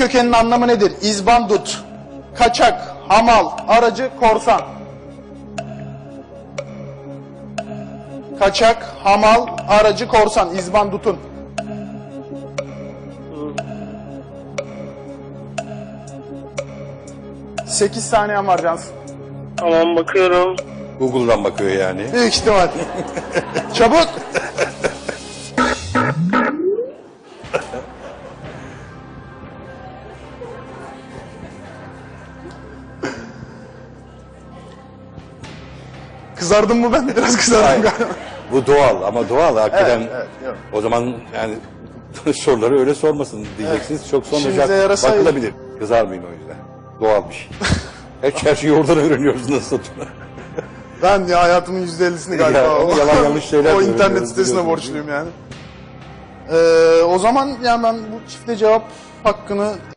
kökeninin anlamı nedir? İzbandut, kaçak, hamal, aracı, korsan. Kaçak, hamal, aracı, korsan. İzbandutun. Sekiz saniyen var Cansın. Tamam, bakıyorum. Google'dan bakıyor yani. Büyük ihtimal. Çabuk. Kızardım mı ben? Biraz kızardım Hayır. galiba. Bu doğal ama doğal hakikaten. Evet, yok. O zaman yani soruları öyle sormasın diyeceksiniz. Çok İşimize sonra yarasaydı. bakılabilir. Kızarmayın o yüzden. Doğal bir şey. Her şeyi oradan öğreniyoruz nasıl olduğunu. Ben ya hayatımın %50'sini galiba Ya, o, yalan yanlış şeyler o de internet öğreniyoruz, sitesine biliyorsunuz, borçluyum yani. O zaman yani ben bu çifte cevap hakkını